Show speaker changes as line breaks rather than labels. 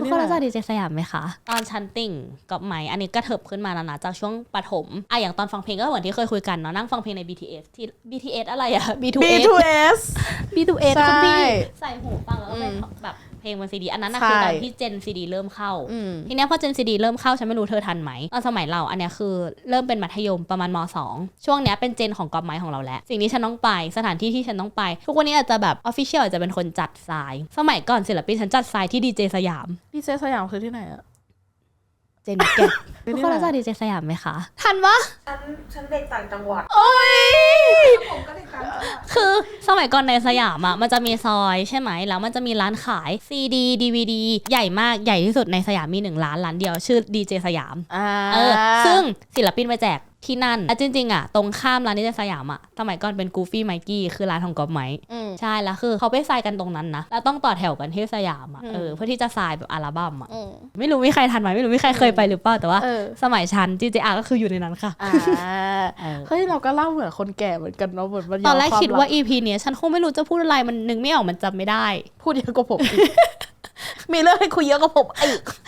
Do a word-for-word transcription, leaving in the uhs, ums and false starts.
ทุกคนรู้จักดีเจสยามไหมคะ
ตอนชั้นติ่งกับไหมอันนี้ก็เถิบขึ้นมาแล้วนะจากช่วงประถมอ่ะอย่างตอนฟังเพลงก็เหมือนที่เคยคุยกันเนาะนั่งฟังเพลงใน บี ที เอส ที่ บี ที เอส อะไรอะ บี ทู เอส
บี ทู เอส
บี ทู เอส
ใช่
คุณพี่ใส่หูฟังแล้วก็เป็นแบบเพลงบนซีดีอันนั้นนะคือตอนที่เจนซีดีเริ่มเข้าทีเนี้ยพอเจนซีดีเริ่มเข้าฉันไม่รู้เธอทันไหมตอนสมัยเราอันเนี้ยคือเริ่มเป็นมัธยมประมาณม.สอง ช่วงเนี้ยเป็นเจนของกอล์ฟไม้ของเราแล้วสิ่งที่ฉันต้องไปสถานที่ที่ฉันต้องไปทุกวันนี้อาจจะแบบออฟฟิเชียลอาจจะเป็นคนจัดทรายสมัยก่อนศิลปินฉันจัดทรายที่ดีเจสยาม
ดีเจสยามคือที่ไหนอะ
เจนแกทุกคนรู้จักดีเจสยามไหมคะทันปะ
ฉันฉันเด็กต่างจังหวัด
โอ้ย
ผมก็เด็กต่างจังหวัด
คือสมัยก่อนในสยามอ่ะมันจะมีซอยใช่ไหมแล้วมันจะมีร้านขายซีดี ดี วี ดี ใหญ่มากใหญ่ที่สุดในสยามมีหนึ่งร้านร้านเดียวชื่อดีเจสยามเออซึ่งศิลปินไปแจกที่นั่นอ่ะจริงๆอ่ะตรงข้ามร้านดีเจสยามอ่ะสมัยก่อนเป็นกูฟี่ไมกี้คือร้านของก๊อฟไมค์ใช่แล้วคือเขาไปทรายกันตรงนั้นนะแล้วต้องต่อแถวกันที่สยามอ่ะเออเพื่อที่จะทรายแบบอัลบั้มอ่ะไม่รู้มีใครทันไหมไม่รู้มีใครเคยไปหรือเปล่าแต่ว่าสมัยฉัน ดี เจ อาร์ ก็คืออยู่ในนั้นค่ะ
เฮ้ยเราก็เล่าเหมือนคนแก่เหมือนกันเนาะเหมือนมัน
ตอนแรกคิดว่า อี พี เนี้ยฉันคงไม่รู้จะพูดอะไรมันนึกไม่ออกมันจำไม่ได้
พูดเยอะกว่าผมอีกมีเรื่องให้คุยเยอะกว่าผมอีก